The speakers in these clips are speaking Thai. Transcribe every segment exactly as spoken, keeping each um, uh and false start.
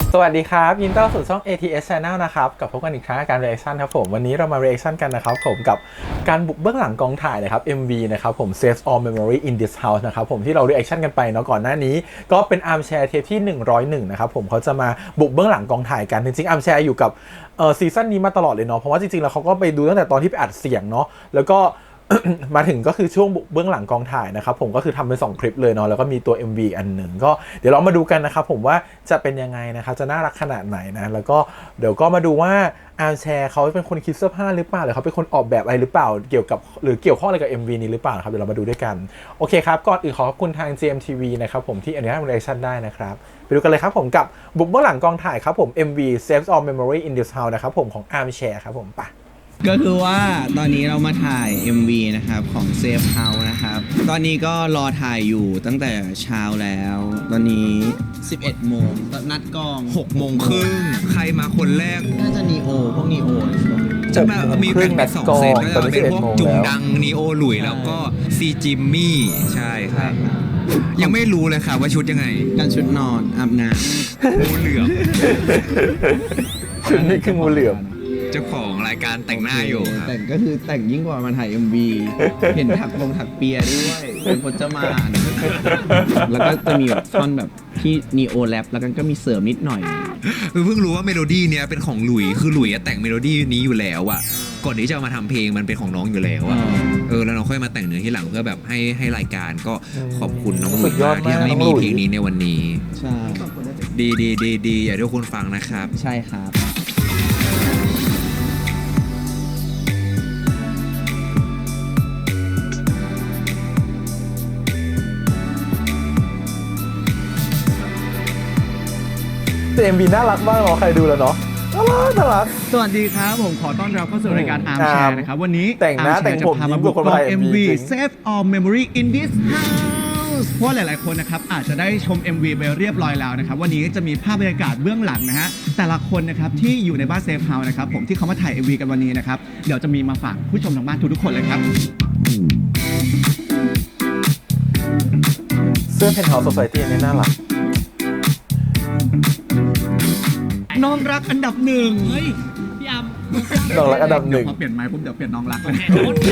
สวัสดีครับยินดีต้อนรับสู่ช่อง เอ ที เอส Channel นะครับกับพบกันอีกครั้งการ reaction ครับผมวันนี้เรามา reaction กันนะครับผมกับการบุกเบื้องหลังกองถ่ายนะครับ เอ็ม วี นะครับผม Save All Memory in This House นะครับผมที่เรา reaction กันไปเนาะก่อนหน้านี้ก็เป็น Armchair เทปที่หนึ่งร้อยเอ็ดนะครับผมเขาจะมาบุกเบื้องหลังกองถ่ายกันจริงๆ Armchair อยู่กับเอ่อซีซั่นนี้มาตลอดเลยเนาะเพราะว่าจริงๆแล้วเขาก็ไปดูตั้งแต่ตอนที่ไปอัดเสียงเนาะแล้วก็ มาถึงก็คือช่วงเบื้องหลังกองถ่ายนะครับผมก็คือทำเป็นสองคลิปเลยเนาะแล้วก็มีตัว เอ็ม วี อันหนึ่งก็เดี๋ยวเรามาดูกันนะครับผมว่าจะเป็นยังไงนะครับจะน่ารักขนาดไหนนะแล้วก็เดี๋ยวก็มาดูว่าอาร์มแชร์เขาเป็นคนคิดเสื้อผ้าหรือเปล่าหรือเขาเป็นคนออกแบบอะไรหรือเปล่าเกี่ยวกับหรือเกี่ยวข้องอะไรกับ เอ็ม วี นี้หรือเปล่าครับเดี๋ยวเรามาดูด้วยกันโอเคครับก่อนอื่นขอขอบคุณทาง จี เอ็ม ที วี นะครับผมที่อนุญาตรีแอคชั่นได้นะครับไปดูกันเลยครับผมกับบุกเบื้องหลังกองถ่ายครับผม เอ็ม วี Save All Memory in This House นะครับผมของ Armchair ครับผมไปก็คือว่าตอนนี้เรามาถ่าย เอ็ม วี นะครับของ Safe House นะครับตอนนี้ก็รอถ่ายอยู่ตั้งแต่เช้าแล้วตอนนี้สิบเอ็ดโมงนัดกองหกโมงครึ่งใครมาคนแรกน่าจะนีโอพวกนีโอจะมามีแบ่งเป็นสองเซตก็จะเป็นพวกจุงดังนีโอหลุยแล้วก็ซีจิมมี่ใช่ครับยังไม่รู้เลยค่ะว่าชุดยังไงการชุดนอนอาบน้ำงูเหลือมชุดนี้คืองูเหลือมเจ้าของรายการแต่งหน้าอยู่ครับแต่งก็คือแต่งยิ่งกว่ามาถ่าย เอ็ม วี เห็นถักลงถักเปียด้วยเป็นพจมานแล้วก็จะมีแบบท่อนแบบที่นีโอแรปแล้วกันก็มีเสริมนิดหน่อยเพิ่งรู้ว่าเมโลดี้เนี้ยเป็นของหลุยคือหลุยแต่งเมโลดี้นี้อยู่แล้วอะก่อนที่จะมาทำเพลงมันเป็นของน้องอยู่แล้วอะเออแล้วน้องค่อยมาแต่งเนื้อที่หลังเพื่อแบบให้ให้รายการก็ขอบคุณน้องหลุยมากที่ไม่มีเพลงนี้ในวันนี้ใช่ดีดีดีดีอยากให้ทุกคนฟังนะครับใช่ครับเอ็ม วี น่ารักมากเนาะใครดูแล้วเนาะน่ารักน่ารักสวัสดีครับผมขอต้อนรับเข้าสู่รายการ Armchair นะครับวันนี้แต่งหน้าแต่งผมยิ้มกับคนไทยเอ็ม วี Save All Memory in This House เพราะหลายๆคนนะครับอาจจะได้ชม เอ็ม วี ไปเรียบร้อยแล้วนะครับวันนี้จะมีภาพบรรยากาศเบื้องหลังนะฮะแต่ละคนนะครับที่อยู่ในบ้าน Safe House นะครับผมที่เขามาถ่าย เอ็ม วี กันวันนี้นะครับเดี๋ยวจะมีมาฝากผู้ชมทางบ้านทุกๆคนเลยครับเสื้อเพนท์เฮาส์โซไซตี้นี่น่ารักน้องรักอันดับหนึ่งเฮ้ยพี่อัมน้องรักอันดับหนึ่งพอเปลี่ยนไม้ปุ๊บเดี๋ยวเปลี่ยนน้องรักเลย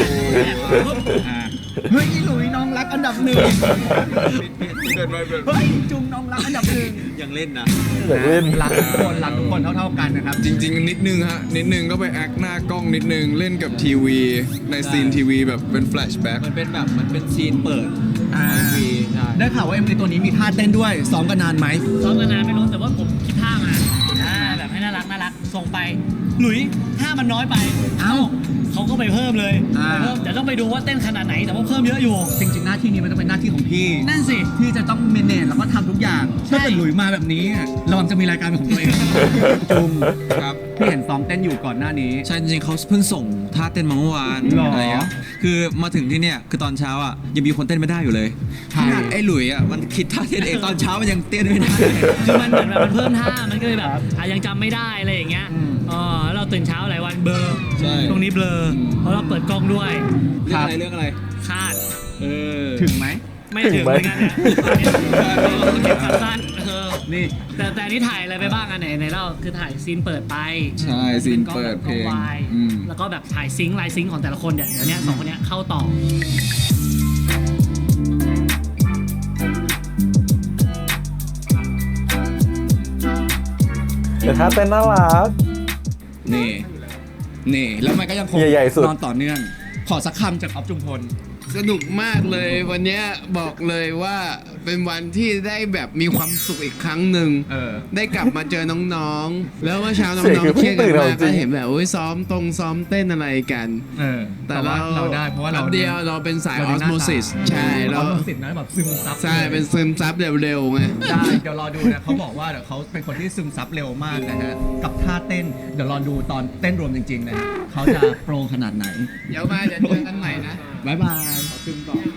เฮ้ยอีหลุยน้องรักอันดับหนึ่งเฮ้ยจุงน้องรักอันดับหนึ่งยังเล่นนะยังเล่นรักทุกคนรักทุกคนเท่าๆกันนะครับจริงๆนิดนึงฮะนิดนึงก็ไปแอคหน้ากล้องนิดนึงเล่นกับทีวีในซีนทีวีแบบเป็นแฟลชแบ็กมันเป็นแบบมันเป็นซีนเปิดทีได้ข่าวว่า เอ็ม วี ตัวนี้มีท่าเต้นด้วยซ้อมกันนานไหมซ้อมกันนานไม่รู้แต่ว่าผมคิดท่ามาแบบให้น่ารักน่ารักส่งไปหลุยท่ามันน้อยไปเอ้าเขาก็ไปเพิ่มเลยเพิ่มแต่ต้องไปดูว่าเต้นขนาดไหนแต่ว่าเพิ่มเยอะอยู่จริงๆหน้าที่นี้มันต้องเป็นหน้าที่ของพี่นั่นสิที่จะต้องเมเนจแล้วก็ทำทุกอย่างถ้าเกิดหลุยมาแบบนี้ระวังจะมีรายการเป็นของตัวเองจุงครับพี่เห็นซ้อมเต้นอยู่ก่อนหน้านี้ใช่จริงๆเขาเพิ่งส่งท่าเต้นมาเมื่อวานอะไรเงี้ยคือมาถึงที่เนี่ยคือตอนเช้าอ่ะยังมีคนเต้นไม่ได้อยู่เลยไอ้หลุยอ่ะมันคิดท่าเต้นเองตอนเช้ามันยังเต้นไม่ได้คือมันเหมือนแบบมันเพิ่มท่ามันก็เลยแบบยังจำไม่ได้อะไรอย่างเงี้ยอ๋อเราตื่นเช้าหลายวันเบลอตรงนี้เบลอเพราะเราเปิดกล้องด้วยเรื่องอะไรเรื่องอะไรคาดเออถึงไหมไม่ถึงเหมือนกันเนี่ยเก็บสั้นเออนี่แต่แต่นี่ถ่ายอะไรไปบ้างอันไหนไหนเราคือถ่ายซีนเปิดไปใช่ซีนเปิดเพลงแล้วก็แบบถ่ายซิงค์ลายซิงค์ของแต่ละคนเนี่ยเดี๋ยวนี้สองคนนี้เข้าต่อแต่ถ้าเต้นน่ารักนี่นี่แล้วมันก็ยังคงนอนต่อเนื่องขอสักคำจากอ๊อฟจุมพลสนุกมากเลยวันนี้บอกเลยว่าเป็นวันที่ได้แบบมีความสุขอีกครั้งหนึ่งได้กลับมาเจอน้องๆแล้วเมื่อเช้าน้องๆเครียดกันมากก็เห็นแบบโอ้ยซ้อมตรงซ้อมเต้นอะไรกันแต่เราเราได้เพราะว่าเราเดียวเราเป็นสายออสโมซิสใช่เราออสโมซิสนะแบบซึมซับใช่เป็นซึมซับเร็วๆไงได้เดี๋ยวรอดูนะเขาบอกว่าเดี๋ยวเขาเป็นคนที่ซึมซับเร็วมากนะฮะกับท่าเต้นเดี๋ยวรอดูตอนเต้นรวมจริงๆนะฮะเขาจะโปรขนาดไหนเดี๋ยวมาเดี๋ยวเจอกันใหม่นะบ๊ายบายขอบคุณต่อ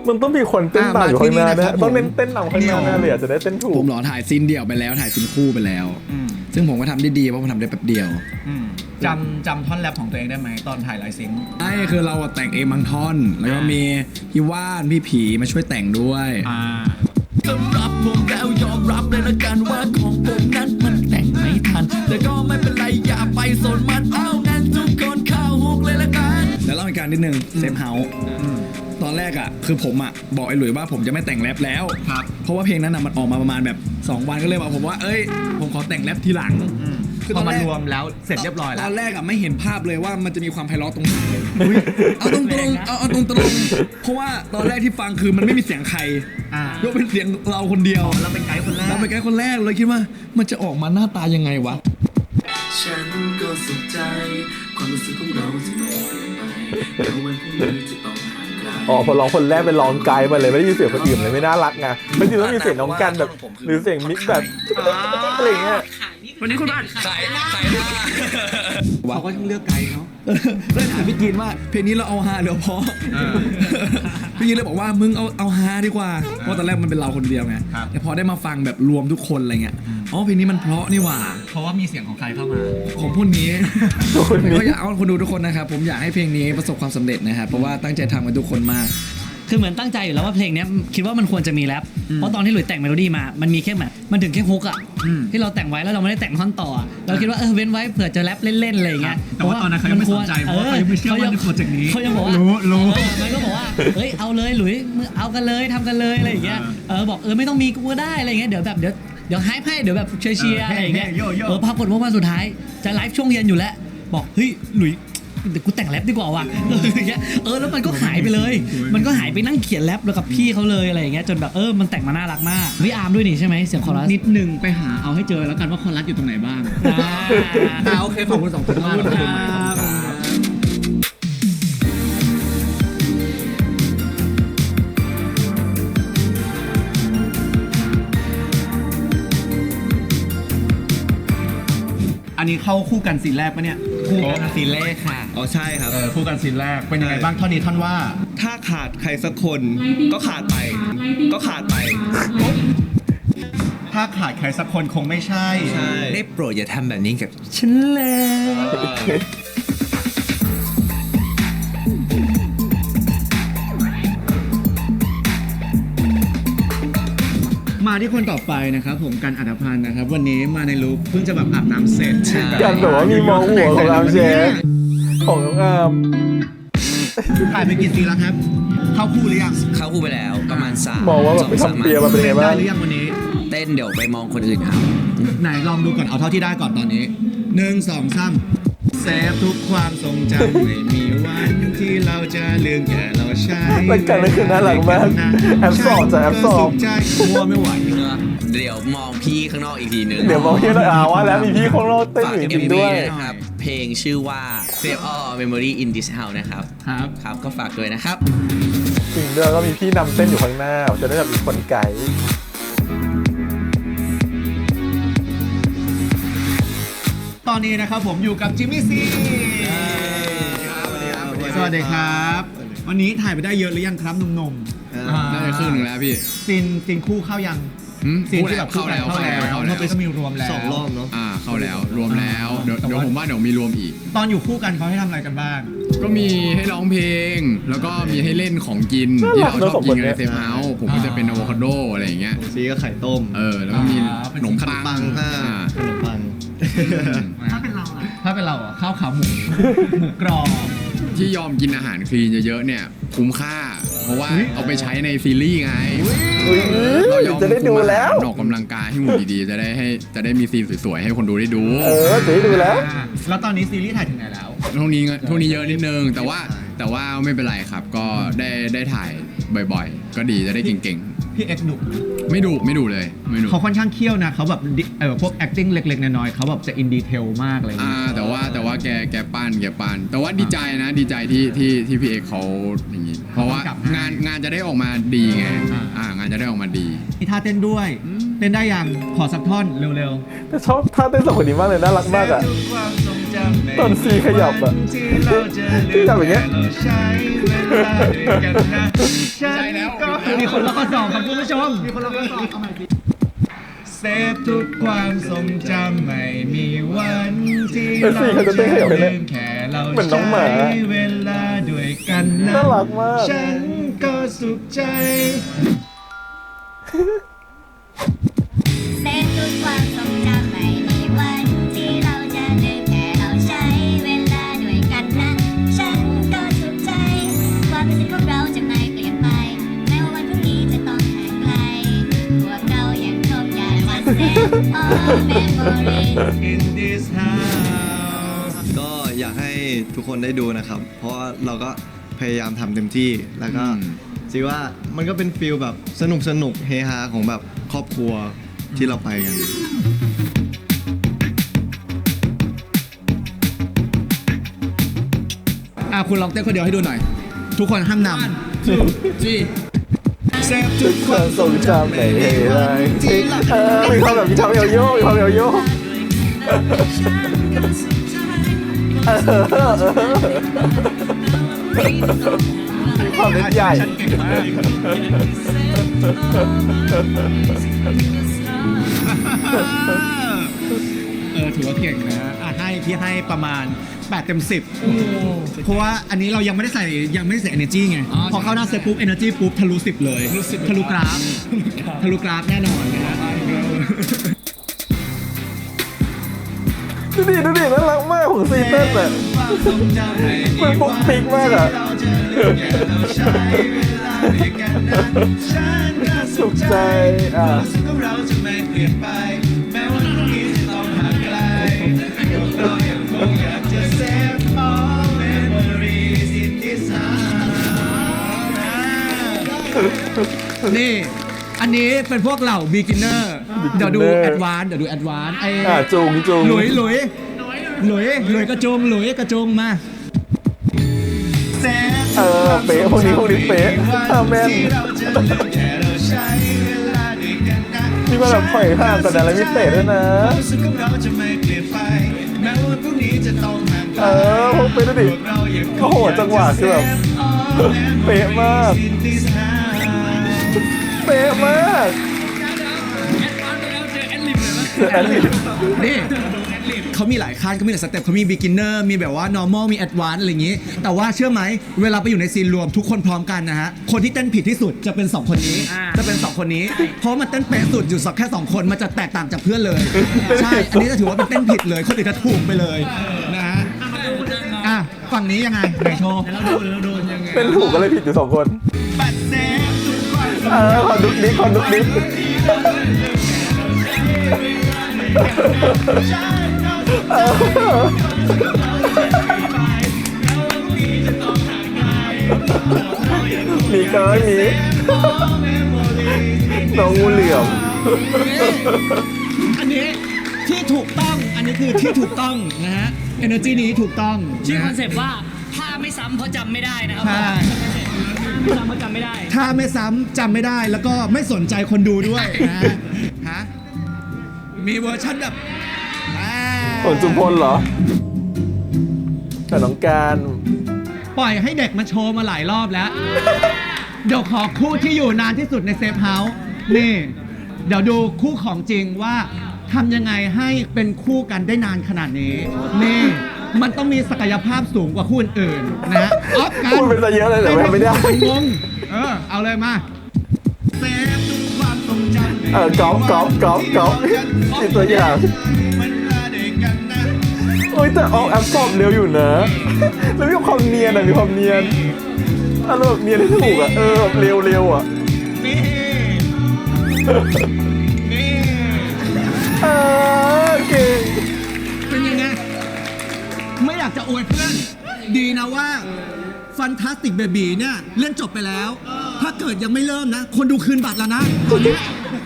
มันต้องมีคนเต้นตามอยู่ข้างหน้าอ่ะมาที่นี่นะนะครับต้องเน้นเต้นนำข้างหน้าผมแน่เลยอ่ะจะได้เต้นถูผกมเหรอถ่ายซีนเดี่ยวไปแล้วถ่ายซีนคู่ไปแล้ว ซึ่งผมก็ทำได้ดีเพราะผมทำได้แป๊บเดียวจำจำท่อนแรปของตัวเองได้ไหมตอนถ่ายไลฟ์ซิงค์ใช่คือเราอะแต่งเองบางท่อน แล้วก็มีพี่ว่านพี่ผีมาช่วยแต่งด้วยอ่าสำหรับผมแล้วยอมรับเลยละกันว่าของผมนั้นมันแต่งไม่ทัน แต่ก็ไม่เป็นไรอย่าไปสนมันเอานั้นทุกคนเข้าฮุกเลยละกันแล้วเล่าอีกการนิดนึงเซฟเฮาส์ตอนแรกอ่ะคือผมอ่ะบอกไอ้หลุยว่าผมจะไม่แต่งแรปแล้วครับเพราะว่าเพลงนั้นน่ะมันออกมาประมาณแบบสองวันก็เลยบอกผมว่าเอ้ยผมขอแต่งแรปทีหลังพอมารวมแล้วเสร็จเรียบร้อยแล้ตวอนแรกอ่ะไม่เห็นภาพเลยว่ามันจะมีความไพเราะตรงไหนเอาตรงตรงๆเอาเอาตรงตรงๆเพราะว่าตอนแรกที่ฟังคือมันไม่มีเสียงใครอ่ายกเป็นเสียงเราคนเดียวเราเป็นไกด์คนแรกเราเป็นไกด์คนแรกเลยคิดว่ามันจะออกมาหน้าตายังไงวะฉันก็สุขใจ ความรู้สึกของเราจะไม่เปลี่ยนไปแม้วันพรุ่งนี้จะต้องห่างไกลอ๋อพอร้องคนแรกเป็นร้องไกด์มาเลยไม่ได้ยินเสียงคนอื่นเลยไม่น่ารักไงไม่จริงต้องมีเสียงน้องกันแบบหรือเสียงมิกแบบอะไรอย่างเงี้ยวันนี้คุณบ้านขายขายหน้าเขาก็ต้องเลือกไกด์เนาะเลยถามพี่กินว่าเพลงนี้เราเอาฮาหรือเอาเพราะพี่กินเลยบอกว่ามึงเอาเอาฮาดีกว่าเพราะตอนแรกมันเป็นเราคนเดียวไงครับแต่พอได้มาฟังแบบรวมทุกคนอะไรเงี้ยอ๋อเพลงนี้มันเพราะนี่หว่าเพราะว่ามีเสียงของใครเข้ามาของพวกนี้คนนี้ก็อยากเอาคนดูทุกคนนะครับผมอยากให้เพลงนี้ประสบความสำเร็จนะครับเพราะว่าตั้งใจทำกันทุกคนมากคือเหมือนตั้งใจอยู่แล้วว่าเพลงเนี้ยคิดว่ามันควรจะมีแรปเพราะตอนที่หลุยแต่งเมโลดี้มา มันมีแค่แบบมันถึงแค่ฮุกอ่ะที่เราแต่งไว้แล้วเราไม่ได้แต่งท่อนต่ออะเราคิดว่าเออเว้นไว้เผื่อจะแรปเล่นๆอะไรอย่างเงี้ยแต่ว่าตอนนั้นเขายังไม่สนใจเพราะว่าเขายังไม่เชื่อว่าในโปรเจกต์นี้เขายังบอกว่ารู้รู้เออมันก็บอกว่าเฮ้ยเอาเลยหลุยมึงเอากันเลยทำกันเลยอะไรอย่างเงี้ยเออบอกเออไม่ต้องมีกูก็ได้อะไรอย่างเงี้ยเดี๋ยวแบบเดี๋ยวเดี๋ยวให้ให้เดี๋ยวแบบเชียร์เชียร์อะไรอย่างเงี้ยโย่โย่เออปรากฏว่าวันสุดท้ายจะไลฟ์ช่วงเย็นอยู่แล้ว บอกเฮ้ยหลุยเดี๋ยวกูแต่งแรปดีกว่าว่ะเอออย่างเงี้ยเออแล้วมันก็หายไปเลย มันก็หายไปนั่งเขียนแรปแล้วกับพี่เขาเลยอะไรอย่างเงี้ยจนแบบเออมันแต่งมาน่ารักมากพี่อาร์มด้วยนี่ใช่ไหมเสียงคอรัสนิดนึงไปหาเอาให้เจอแล้วกันว่าคอรัสอยู่ตรงไหนบ้างอ่าอ่าโอเคขอบคุณสองคนมากขอบคุณครับอันนี้เข้าคู่กันซีนแรกปะเนี่ยคู่กันซีนแรกค่ะอ๋อใช่ครับเออคู่กันซีนแรกเป็นยังไงบ้างท่อนนี้ท่อนว่าถ้าขาดใครสักคนก็ขาดไป ก็ขาดไปถ้าขาดใครสักคนคงไม่ใช่ได้โปรดอย่าทำแบบนี้กับฉันแล้วมาที่คนต่อไปนะครับผมกันอัธพันธ์นะครับ วันนี้มาในลุคเพิ่งจะแบบอาบน้ำเสร็จกันแบบว่ามีมองหัวของอาร์มเชฟของน้องอาร์มถ่ายไปกี่ซีนแล้วครับ เข้าคู่หรือยังเข้าคู่ไปแล้วประมาณสามมองว่าแบบไปสองสามทำเปียมาเป็นไงเต้นบ้าได้งหรือยังวันนี้เต้นเดี๋ยวไปมองคนอื่นเอาไหนลองดูก่อนเอาเท่าที่ได้ก่อนตอนนี้หนึ่งสองสามเซฟทุกความทรงจำไม่มีวันที่เราจะลืมแค่เราใช้รายการนี้คือน่ารักมากแอปสอบจ้ะแอปสอบใจมัวไม่ไหวเดี๋ยวมองพี่ข้างนอกอีกทีนึงเดี๋ยวมองที่เราอาว่าแล้วมีพี่ของเราเต้นฝากอยู่จเอ็ริมงๆวีด้วยนะครับ เพลงชื่อว่า Save All Memory in This House นะครับครับครับก็ฝากด้วยนะครับจริงด้วยก็มีพี่นำเต้นอยู่ข้างหน้าจะได้แบบมีคนไกด์ตอนนี้นะครับผมอยู่กับจิมมี่ซีสวัสดีครับ วันนี้ถ่ายไปได้เยอะหรือยังครับหนุ่มๆน่าจะครึ่งหนึ่งแล้วพี่ซีนซีนคู่เข้ายังหืมซีนที่แบบคู่กันเข้าเข้าแล้แล้ว วเข้าแล้วเมื่อกี้ก็มีรวมแล้วสองรอบเนาะอ่าเข้าแล้วรวมแล้วเดี๋ยวแต่เดี๋ยวว่าผมว่าเดี๋ยวมีรวมอีกตอนอยู่คู่กันเขาให้ทำอะไรกันบ้างก็มีให้ร้องเพลง แล้วก็มีให้เล่นของกินที่เราชอบกินกันในเซฟเฮาส์ผมก็จะเป็นอะโวคาโดอะไรอย่างเงี้ยซีก็ไข่ต้มเออแล้วก็มีอ่าขนมปังปังอ่าอ่าขนมปังถ้าเป็นเราอะถ้าเป็นเราอะข้าวขาหมู หมูกรอบที่ยอมกินอาหารคลีนเยอะๆเนี่ยคุ้มค่า เพราะว่าเอาไปใช้ในซีรีส์ไงอุ๊ยเรายอมจะได้ดูแล้วออกกำลังกายให้หุ่นดีๆ จะได้ให้จะได้มีซีนสวยๆให้คนดูได้ดูเออจะได้ดูแล้วอ่าแล้วตอนนี้ซีรีส์ถ่ายถึงไหนแล้วช่วงนี้ช่วงนี้เยอะนิดนึง แต่ว่าแต่ว่าไม่เป็นไรครับ ก็ได้ได้ถ่ายบ่อยๆ ก็ดีจะได้เก่งพี่เอ็กซ์ดุๆ ไม่ดุไม่ดุเลยไม่ดุเขาค่อนข้างเคี่ยวนะเขาแบบดิเออพวก acting เล็กๆน้อยๆเขาแบบจะอินดีเทลมากอะไรอย่างอ่าเงี้ยแต่ว่าแต่ว่าแกแกปั้นแกปั้นแต่ว่าดีใจนะดีใจที่ที่ที่พี่เอกเขาอย่างนี้ เพราะว่างานงานจะได้ออกมาดีไงอ่างานจะได้ออกมาดีมีท่าเต้นด้วย เต้นได้ยังขอสักท่อนเร็วแต่ชอบท่าเต้นสองคนนี้มากเลยน่ารักๆมากอ่ะความทรงจตอนซีขยับอะขยับอย่างเงี้ยใช่แล้วมีคนล็อกข้อสอบครับคุณผู้ชมมีคนล็อกข้อสอบเอาใหม่ดิเซฟทุกความทรงจำไม่มีวันที่เออสิเขาจะเต้นขยับให้เลยลืมแค่เราเหมือนน้องหมาใช้เวลาด้วยกันนะน่ารักมากฉันก็สุขใจเซฟทุกความทรงจำไม่มีวันที่เราจะลืมแค่เราใช้เวลาด้วยกันนะฉันก็สุขใจความรู้สึกของเราจะไม่เปลี่ยนไปแม้ว่าวันพรุ่งนี้จะต้องห่างไกลพวกเรายังคงอยากจะ save all memories in this house ก็อยากให้ทุกคนได้ดูนะครับ เพราะว่าเราก็พยายามทำเต็มที่ แล้วก็คิดว่ามันก็เป็นฟีลแบบสนุกสนุกเฮฮาของแบบครอบครัวที่เราไปกันอ่ะคุณลองเต้นคนเดียวให้ดูหน่อย ทุกคนห้ามนำเซฟทุกความทรงจำไม่มีวันที่เราเออมีความแบบมีความเอวโยกมีความเอวโยกเออเออเออมีความเล็กใหญ่ฉันเก่งมากเออถือว่าเก่งนะอ่ะให้พี่ให้ประมาณแปดเต็มสิบเพราะว่าอันนี้เรายังไม่ได้ใส่ยังไม่ได้ใส่ energy ไง พอเข้าหน้าเซตปุ๊บ energy ปุ๊บทะลุสิบเลยทะลุกราฟทะลุกราฟแน่นอนนะฮะดูดิดูดิน่ารักมากของซีเต้นอ่ะมันปุ๊กปิ๊กมากอ่ะสุขใจอ่ะนี่ อันนี้เป็นพวกเหล่า beginner เดี๋ยวดู advance เดี๋ยวดู advance ไอ้อ่ะจุงจุงหลุยหลุยหลุยหลุยกระจุงหลุยกระจุงมาเออเป๊ะพวกนี้พวกนี้เป๊ะอ่ะแม่นมีมาแบบปล่อยห่างแต่อะไรไม่เตะด้วยนะเออพวกเป๊ะดูดิโอ้โหจังหวะคือแบบเป๊ะมากเป๊ะมากแอดลิปนี่เขามีหลายขั้นเขามีหลายสเต็ปเขามี beginner มีแบบว่า normal มี advance อะไรอย่างงี้ แต่ว่าเชื่อไหมเวลาไปอยู่ในซีนรวมทุกคนพร้อมกันนะฮะ คนที่เต้นผิดที่สุดจะเป็นสองคนนี้ จะเป็นสองคนนี้ เพราะมันเต้นเป๊ะสุดอยู่สักแค่สองคนมันจะแตกต่างจากเพื่อนเลย ใช่ อันนี้จะถือว่าเป็นเต้นผิดเลย คนอื่นจะถูกไปเลยนะฮะอ่ะฝั่งนี้ยังไงไหนโชว์เป็นถูกก็เลยผิดอยู่สองคนเออขอดุกดิ๊กขอดุกดิ๊กเออมีเกินมีน้องงูเหลี่ยมอันนี้ที่ถูกต้อง อันนี้คือที่ถูกต้องนะฮะ energy นี้ถูกต้องชื่อคอนนะเซปต์ว่าถ้าไม่ซ้ำเพราะจำไม่ได้นะครับใช่ไม่ซ้ำเพราะจำไม่ได้ถ้าไม่ซ้ำจำไม่ได้แล้วก็ไม่สนใจคนดูด้วยนะฮะ มีเวอร์ชันแบบอ่าฝนจุมพลเหรอ แต่น้องการปล่อยให้เด็กมาโชว์มาหลายรอบแล้ว เดี๋ยวขอคู่ที่อยู่นานที่สุดในเซฟเฮาส์นี่ เดี๋ยวดูคู่ของจริงว่าทำยังไงให้เป็นคู่กันได้นานขนาดนี้ นี่ มันต้องมีศักยภาพสูงกว่าคู่อื่นๆนะออฟกันพูดเป็นซะเยอะเลยแต่ว่าไม่ได้งงเออ เอาเลยมาเซฟทุกความทรงจำเออกอล์ฟกอล์ฟกอล์ฟกอล์ฟอีกตัวอย่างโอ้ยแต่ออกแอปสอบเร็วอยู่นะ แล้วมีความเนียนอะมีความเนียนอารมณ์แบบเนียนที่ถูกอะเออแบบเร็วเร็วอะนี่ นี่เออเก่งเป็นยังไง ไม่อยากจะอวยเพื่อน ดีนะว่า Fantastic Baby เนี่ยเล่นจบไปแล้ว ถ้าเกิดยังไม่เริ่มนะ คนดูคืนบัตรแล้วนะตอนนี้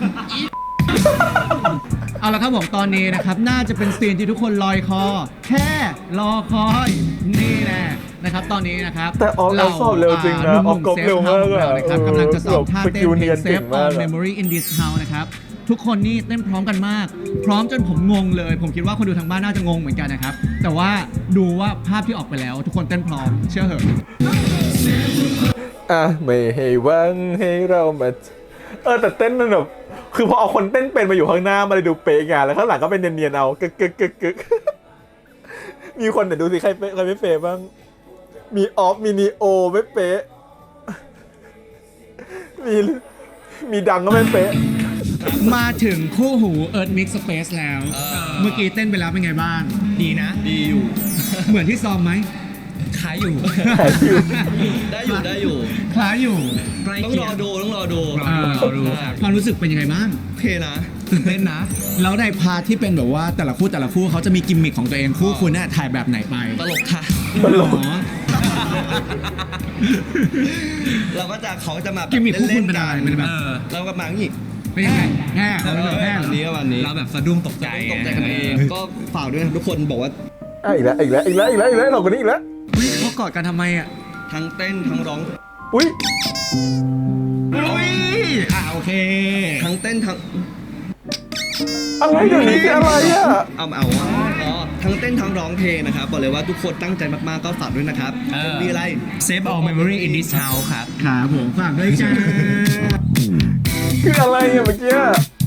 เอาละครับผมตอนนี้นะครับ น่าจะเป็นซีนที่ทุกคนลอยคอ แค่รอคอย นี่แน่นะครับตอนนี้นะครับแต่ออฟเราสอบเร็วจริงนะหนุ่ออฟมก๊อปๆเร็วมากซฟอะเฮาส์ของเรานะครับเออกำลังจะสอบท่าสเต้นกิลเพเนีลยงนเซเก่ฟงอมาอก นอะ Memory in this house นะครับทุกคนนี่เต้นพร้อมกันมาก พร้อมจนผมงงเลย ผมคิดว่าคนดูทางบ้านน่าจะงงเหมือนกันนะครับ แต่ว่าดูว่าภาพที่ออกไปแล้ว ทุกคนเต้นพร้อมเชื่อเหอะอ่ะไม่ให้หวังให้เรามาเออแต่เต้นมันแบบคือพอเอาคนเต้นเป็นมาอยู่ข้างหน้ามันเลยดูเป๊ะไงแล้วข้างหลังก็เป็นเนียนๆเอากึกกึกกึกกึกมีคนเดี๋ยวดูสิใครเป๊ะใครไม่เป๊ะบ้างมีออฟมีนีโอไม่เป๊ะมีมีดังก็ไม่เป๊ะมาถึงคู่หู Earth Mix Space แล้ว เมื่อกี้เต้นไปแล้วเป็นไงบ้างดีนะ ดีอยู่เหมือนที่ซ้อมไหมคล้ายอยู่ ได้อยู่ได้อยู่คล้ายอยู่ต้องรอดูต้องรอดูเออความรู้สึกเป็นยังไงบ้างโอเคนะตื่นเต้นนะ แล้วในพาร์ทที่เป็นแบบว่าแต่ละคู่แต่ละคู่เขาจะมีกิมมิคของตัวเองคู่คุณน่ะถ่ายแบบไหนไปตลกค่ะตลกเราก็จะเขาจะมากิมมิคคู่คุณเป็นอะไรเป็นแบบเราก็มาอย่างนี้เป็นยังไงแห่เราเป็นแบบแห่เหรวันนี้อก็วันนี้เราแบบสะดุ้งตกใจตกใจกันเองก็ฝากด้วยนะทุกคนบอกว่าอ่ะอีกแล้วอีกแล้วอีกแล้วอีกแล้วอีกแล้วเราคนนี้อีกแล้วเฮ้ยเขากอดกันทำไมอ่ะทั้งเต้นทั้งร้องอุ้ยอุ้ยอ่าโอเคทั้งเต้นทั้งอะไรเดี๋ยวนี้คืออะไรอ่ะเอาเอาอ๋อทั้งเต้นทั้งร้องเพลงนะครับบอกเลยว่าทุกคนตั้งใจมากๆก็ฝากด้วยนะครับมีอะไร Save all memory in this house ครับครับผมฝากด้วยจ้าคืออะไรอ่ะเมื่อกี้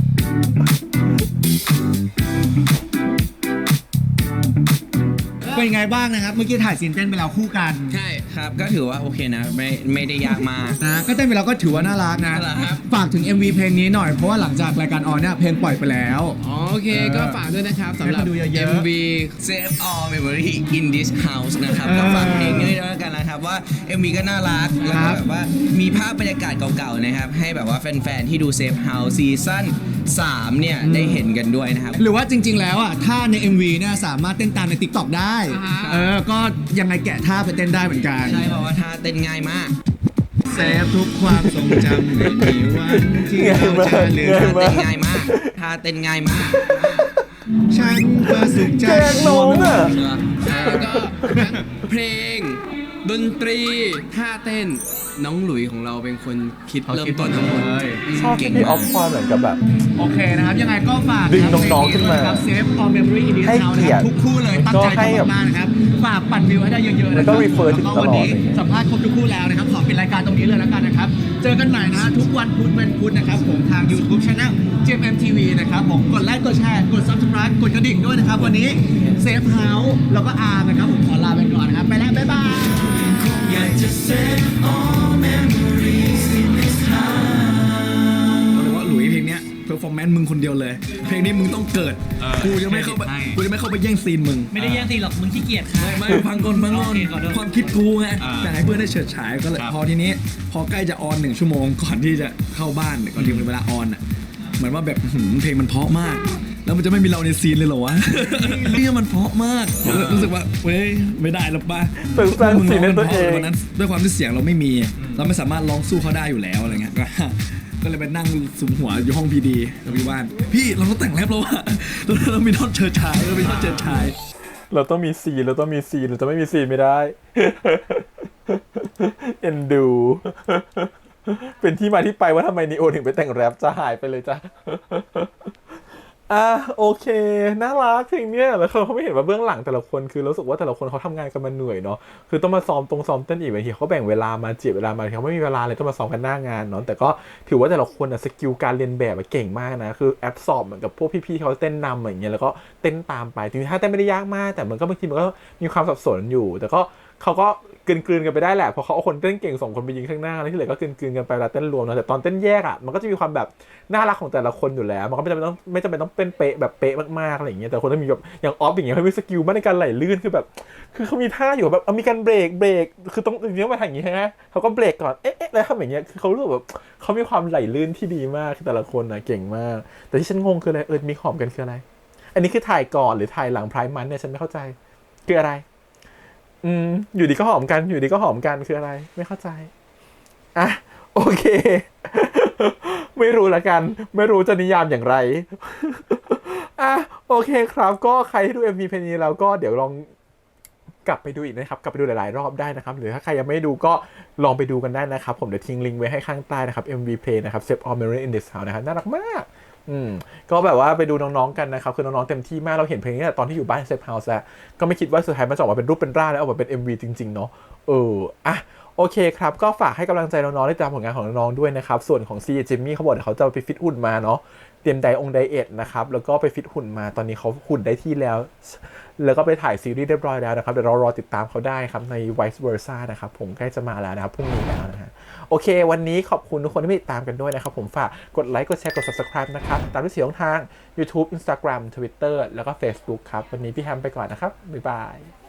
เป็นไงบ้างนะครับ เมื่อกี้ถ่ายซีนเต้นไปแล้วคู่กันใช่ครับก็ถือว่าโอเคนะไม่ไม่ได้ยากมากนะก็เต้นไปแล้วก็ถือว่าน่ารักนะน่ารักครับฝากถึง เอ็ม วี เพลงนี้หน่อย เพราะว่าหลังจากรายการออนเนี่ยเพลงปล่อยไปแล้วอ๋อโอเคก็ฝากด้วยนะครับสำหรับให้มาดูเยอะๆเอ็ม วี Save all memory in this house นะครับเออก็ฝากเพลงนี้ด้วยแล้วกันนะครับว่า เอ็ม วี ก็น่ารักแล้วครัก็บแบบว่ามีภาพบรรยากาศเก่าๆนะครับให้แบบว่าแฟนๆที่ดู Save House ซีซั่นสามเนี่ยได้เห็นกันด้วยนะครับหรือว่าจริง ๆ แล้วอ่ะท่าใน เอ็ม วี เนี่ยสามารถเต้นตามใน TikTok ได้อ่าฮะเออ ก็ยังไงแกะท่าไปเต้นได้เหมือนกันใช่เพราะว่าท่าเต้นง่ายมากเซฟทุกความทรงจำไม่มีวันที่เราจะลืมง่ายมากเต้นง่ายมากท่าเต้นง่ายมากฉันประสุขใจแกล้งน้องอ่ะแล้วก็ทั้งเพลง ดนตรีท่าเต้นน้องหลุยของเราเป็นคนคิดเขาเริ่มคิดต้นทั้งหมดเลยชอบที่พี่ออฟความเหมือนกับแบบโอเคนะครับ ยังไงก็ฝากดึงน้องๆขึ้นมาครับเซฟ all memory in this ให้ house เกีนะยครติรับทุกคู่เลยตั้งใจก็ให้แบบทำมากๆนะครับ ฝากปั่นวิวให้ได้เยอะๆนะคแล้รัวก็ refer ถึงแล้วก็วันนี้ตลอดเลยสัมภาษณ์ครบทุกคู่แล้วนะครับ ขอปิดรายการตรงนี้เลยแล้วกันนะครับ เจอกันใหม่นะฮะทุกวันพุธวันพุธนะครับผมทาง YouTube Channel เจ เอ็ม เอ็ม ที วี นะครับผมกดไลค์กดแชร์กด Subscribe กดกระดิ่งด้วยนะครับ วันนี้เซฟเฮาส์แล้วก็อาร์มนะครับผมขอลาไปก่อนนะครับไปแล้วบ๊ายบายอยากจะ save all memories in this house บอกเลยว่าหลุยเพลงเนี้ยเพอร์ฟอร์แมนซ์มึงคนเดียวเลย เพลงนี้มึงต้องเกิด กูจะไม่เข้าไปใช่กูจะไม่เข้าไปแย่งซีนมึงไม่ได้แย่งซีนหรอกมึงขี้เกียจค่ะไม่ไม่ฟังก่อนฟังก่อนโอเคขอโทษความคิดกูไงอ่าแต่ให้เพื่อนได้เฉิดฉายก็เลยครับพอทีนี้ พอใกล้จะออนหนึ่งชั่วโมงก่อนที่จะเข้าบ้านก่อนที่มันเวลาออนอ่ะเหมือนว่าแบบหืมเพลงมันเพราะมาก แล้วมันจะไม่มีเราในซีนเลยเหรอวะ เนี่ยมันเพราะมากรู้สึกว่าเว้ยไม่ได้หรอกป่ะเป็นสร้างซีนให้ตัวเองวันนั้นด้วยความที่เสียงเราไม่มี เราไม่สามารถร้องสู้เขาได้อยู่แล้วอะไรเงี้ย ก็ก็เลยไปนั่งสุมหัวอยู่ห้องพีดีกับพี่ว่าน พี่เราต้องแต่งแรปแล้วอะเราเรามีท่อนเชิดชายเรามีท่อนเชิดชายเราต้องมีซีนเราต้องมีซีนเราจะไม่มีซีนไม่ได้ เอ็นดู เป็นที่มาที่ไปว่าทำไมนีโอถึงไปแต่งแรปจะหายไปเลยจ้ะ อ่ะโอเคน่ารักเพลงเนี้ยแล้วเขาเขาไม่เห็นว่าเบื้องหลังแต่ละคนคือรู้สึกว่าแต่ละคนเขาทำงานกันมาเหนื่อยเนาะคือต้องมาซ้อมตรงซ้อมเต้นอีกบางทีเขาแบ่งเวลามาเจียดเวลามาเขาไม่มีเวลาเลยต้องมาซ้อมกันหน้างานเนาะแต่ก็ถือว่าแต่ละคนอะสกิลการเรียนแบบอะเก่งมากนะคือแอปสอบเหมือนกับพวกพี่ๆเขาเต้นนำอย่างเงี้ยแล้วก็เต้นตามไปจริงๆถ้าเต้นไม่ได้ยากมากแต่มันก็บางทีมันก็มีความสับสนอยู่ แต่ก็เขาก็กลืนๆกันไปได้แหละเพราะเขาเอาคนเต้นเก่งสองคนไปยิงข้างหน้าแล้วที่เหลือก็กลืนๆกันไปเวลาเต้นรวมนะแต่ตอนเต้นแยกอ่ะมันก็จะมีความแบบน่ารักของแต่ละคนอยู่แล้วมันก็ไม่จำเป็นต้องไม่จำเป็นต้องเป็นเป๊ะแบบเป๊ะมากๆอะไรอย่างเงี้ยแต่คนต้องมีแบบอย่างออฟอย่างเงี้ยเขามีสกิลมากในการไหลลื่นคือแบบคือเขามีท่าอยู่แบบเอามีการเบรกเบรกคือต้องเลี้ยงมาทางอย่างงี้ใช่ไหมเขาก็เบรกก่อนเอ๊ะเอ๊ะแล้วทำอย่างเงี้ยคือเขารู้สึกแบบเขามีความไหลลื่นที่ดีมากคือแต่ละคนนะเก่งมากแต่ที่ฉันงงคืออะไรเออมีหอมกันคืออะไรอันนี้คือถ่ายก่อนหรือถ่ายหลังไพร์มันเนี่ยฉันไม่เข้าใจคืออะไรอืมอยู่ดีก็หอมกันอยู่ดีก็หอมกันคืออะไรไม่เข้าใจอ่ะโอเค ไม่รู้ละกันไม่รู้จะนิยามอย่างไร อ่ะโอเคครับก็ใครที่ดู เอ็ม วี เพลงนี้แล้วก็เดี๋ยวลองกลับไปดูอีกนะครับกลับไปดูหลายๆรอบได้นะครับหรือถ้าใครยังไม่ดูก็ลองไปดูกันได้นะครับผมเดี๋ยวทิ้งลิงก์ไว้ให้ข้างใต้นะครับ เอ็ม วี Play นะครับ Save All Memory in This House นะครับน่ารักมากอืมก็แบบว่าไปดูน้องๆกันนะครับคือน้องๆเต็มที่มากเราเห็นเพลงนี้ตอนที่อยู่บ้าน Safe House แล้วก็ไม่คิดว่าสุดท้ายมันจะออกมาเป็นรูปเป็นร่างแล้วออกมาเป็น เอ็ม วี จริงๆเนาะเอออ่ะโอเคครับก็ฝากให้กำลังใจน้องๆได้ตามผลงานของน้องๆด้วยนะครับส่วนของซีจิมมี่เขาบอกเขาจะไปฟิตหุ่นมาเนาะเตรียมไดองไดเอทนะครับแล้วก็ไปฟิตหุ่นมาตอนนี้เขาหุ่นได้ที่แล้วแล้วก็ไปถ่ายซีรีส์เรียบร้อยแล้วนะครับเดี๋ยวเรารอติดตามเขาได้ครับใน Vice Versa นะครับผมใกล้จะมาแล้วนะครับพรุ่งนี้แล้วนะฮะโอเควันนี้ขอบคุณทุกคนที่ติดตามกันด้วยนะครับผมฝากกดไลค์กดแชร์กด Subscribe นะครับตามที่สี่ช่องทาง YouTube Instagram Twitter แล้วก็ Facebook ครับวันนี้พี่แฮมไปก่อนนะครับบ๊ายบาย